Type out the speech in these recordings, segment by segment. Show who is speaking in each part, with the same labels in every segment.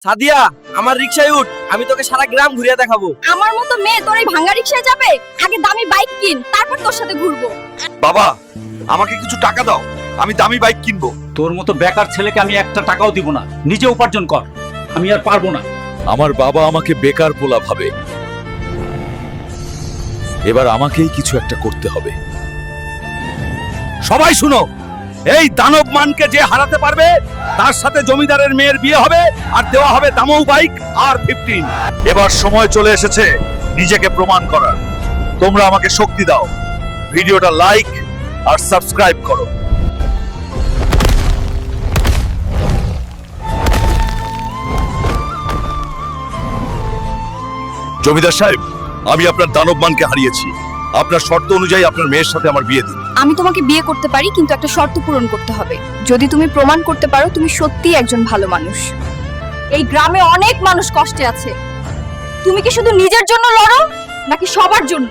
Speaker 1: সাদিয়া, আমার রিকশায় উঠ, আমি তোকে সারা গ্রাম ঘুরিয়ে দেখাবো।
Speaker 2: আমার মতো মেয়ে তোর এই ভাঙা রিকশায় যাবে? আগে দামি বাইক কিন, তারপর তোর সাথে ঘুরবো।
Speaker 3: বাবা, আমাকে কিছু টাকা দাও, আমি দামি বাইক কিনবো।
Speaker 4: তোর মতো বেকার ছেলেকে আমি একটা টাকাও দিব না, নিজে উপার্জন কর। আমি আর পারবো না।
Speaker 3: আমার বাবা আমাকে বেকার পোলা ভাবে, এবার আমাকেই কিছু একটা করতে হবে। সবাই শুনো, এই দানব মানকে যে হারাতে পারবে তার সাথে জমিদারের মেয়ের বিয়ে হবে আর দেওয়া হবে দামৌ বাইক আর 15। এবার সময় চলে এসেছে নিজেকে প্রমাণ করার। তোমরা আমাকে শক্তি দাও, ভিডিওটা লাইক আর সাবস্ক্রাইব করো। জমিদার সাহেব, আমি আপনার দানব মানকে হারিয়েছি। আপনার শর্ত অনুযায়ী আপনার মেয়ের সাথে আমার বিয়ে দিন।
Speaker 2: আমি তোমাকে বিয়ে করতে পারি, কিন্তু একটা শর্ত পূরণ করতে হবে। যদি তুমি প্রমাণ করতে পারো তুমি সত্যিই একজন ভালো মানুষ। এই গ্রামে অনেক মানুষ কষ্টে আছে, তুমি কি শুধু নিজের জন্য লড়ো নাকি সবার জন্য?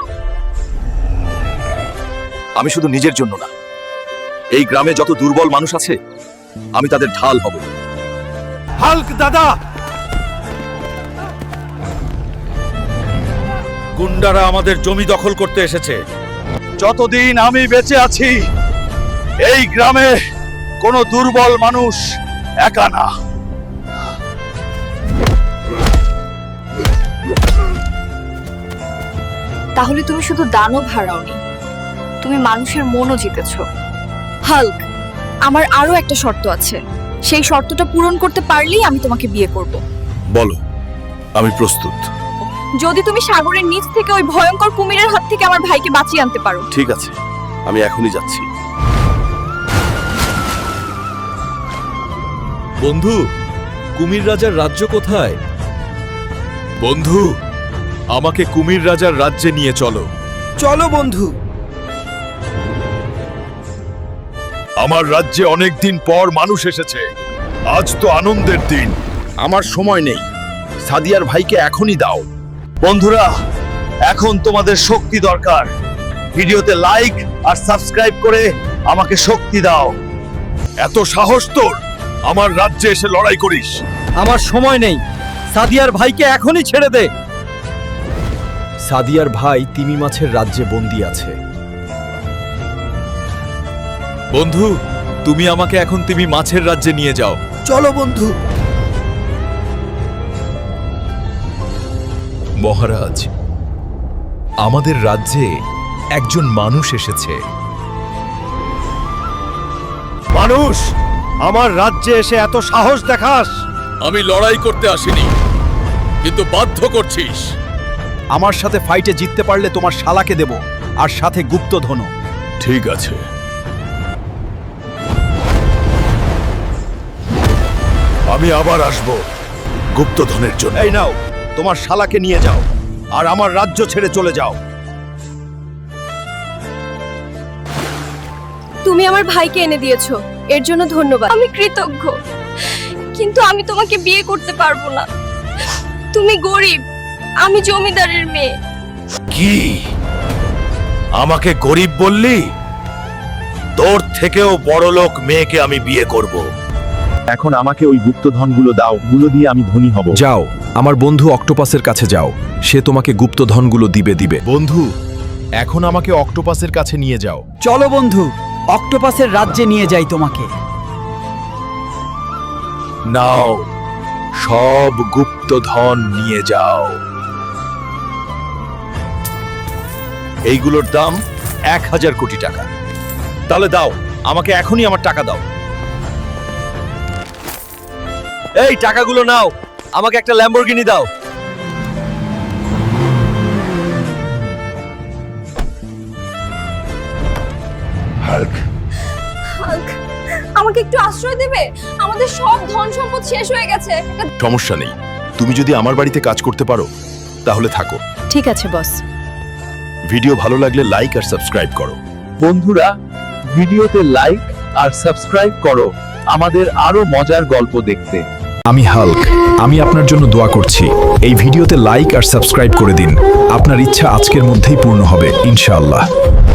Speaker 3: আমি শুধু নিজের জন্য না, এই গ্রামে যত দুর্বল মানুষ আছে আমি তাদের ঢাল হব। হাল্ক দাদা, গুন্ডারা আমাদের জমি দখল করতে এসেছে। যতদিন আমি বেঁচে আছি এই গ্রামে কোনো দুর্বল মানুষ একা না।
Speaker 2: তাহলে তুমি শুধু দানব হারাওনি, তুমি মানুষের মনও জিতেছো। হাল্ক, আমার আরো একটা শর্ত আছে, সেই শর্তটা পূরণ করতে পারলেই আমি তোমাকে বিয়ে করব।
Speaker 3: বলো, আমি প্রস্তুত।
Speaker 2: যদি তুমি সাগরের নিচ থেকে ওই ভয়ঙ্কর কুমিরের হাত থেকে আমার ভাইকে বাঁচিয়ে আনতে পারো।
Speaker 3: ঠিক আছে, আমি এখনই যাচ্ছি। বন্ধু, কুমির রাজার রাজ্য কোথায়? বন্ধু, আমাকে কুমির রাজার রাজ্যে নিয়ে চলো।
Speaker 1: চলো বন্ধু।
Speaker 3: আমার রাজ্যে অনেক দিন পর মানুষ এসেছে, আজ তো আনন্দের দিন। আমার সময় নেই, সাদিয়ার ভাইকে এখনই দাও। বন্ধুরা, এখন তোমাদের শক্তি দরকার। ভিডিওতে লাইক আর সাবস্ক্রাইব করে আমাকে শক্তি দাও। এত সাহস তোর, আমার রাজ্যে এসে লড়াই করিস?
Speaker 1: আমার সময় নেই, সাদিয়ার ভাইকে এখনই ছেড়ে দে।
Speaker 5: সাদিয়ার ভাই তিমি মাছের রাজ্যে বন্দী আছে।
Speaker 3: বন্ধু, তুমি আমাকে এখন তিমি মাছের রাজ্যে নিয়ে যাও।
Speaker 1: চলো বন্ধু।
Speaker 3: মহারাজ, আমাদের রাজ্যে একজন মানুষ এসেছে।
Speaker 5: মানুষ, আমার রাজ্যে এসে এত সাহস দেখাস?
Speaker 3: আমি লড়াই করতে আসিনি, কিন্তু বাধ্য করছিস।
Speaker 5: আমার সাথে ফাইটে জিততে পারলে তোমার শালাকে দেব, আর সাথে গুপ্তধনও।
Speaker 3: ঠিক আছে, আমি আবার আসব গুপ্তধনের জন্য।
Speaker 5: এই নাও, তোমার শালাকে নিয়ে যাও আর আমার রাজ্য ছেড়ে চলে যাও।
Speaker 2: তুমি আমার ভাইকে এনে দিয়েছো, এর জন্য ধন্যবাদ। আমি কৃতজ্ঞ, কিন্তু আমি তোমাকে বিয়ে করতে পারবো না। তুমি গরিব, আমি জমিদারের মেয়ে।
Speaker 3: কি আমাকে গরিব বললি? তোর থেকেও বড়লোক মেয়েকে আমি বিয়ে করব।
Speaker 6: এখন আমাকে ওই গুপ্তধনগুলো দাও, গুলো দিয়ে আমি ধনী হব।
Speaker 5: যাও, আমার বন্ধু অক্টোপাসের কাছে যাও, সে তোমাকে গুপ্তধনগুলো দিবে।
Speaker 3: বন্ধু, এখন আমাকে অক্টোপাসের কাছে নিয়ে যাও।
Speaker 1: চলো বন্ধু, অক্টোপাসের রাজ্যে নিয়ে যাই তোমাকে।
Speaker 3: নাও, সব গুপ্তধন নিয়ে যাও। এইগুলোর দাম 1000 কোটি টাকা। তাহলে দাও, আমাকে এখনই আমার টাকা দাও।
Speaker 1: এই টাকাগুলো নাও, আমাকে একটা ল্যাম্বরগিনি দাও।
Speaker 3: হাল্ক,
Speaker 2: আমাকে একটু আশ্রয় দেবে? আমাদের সব ধন সম্পদ শেষ হয়ে গেছে।
Speaker 3: সমস্যা নেই, তুমি যদি আমার বাড়িতে কাজ করতে পারো তাহলে থাকো।
Speaker 2: ঠিক আছে বস।
Speaker 3: ভিডিও ভালো লাগলে লাইক আর সাবস্ক্রাইব করো।
Speaker 6: বন্ধুরা, ভিডিওতে লাইক আর সাবস্ক্রাইব করো আমাদের আরো মজার গল্প দেখতে।
Speaker 5: আমি হাল্ক, আমি আপনার জন্য দোয়া করছি। এই ভিডিওতে লাইক আর সাবস্ক্রাইব করে দিন, আপনার ইচ্ছা আজকের মধ্যেই পূর্ণ হবে ইনশাআল্লাহ।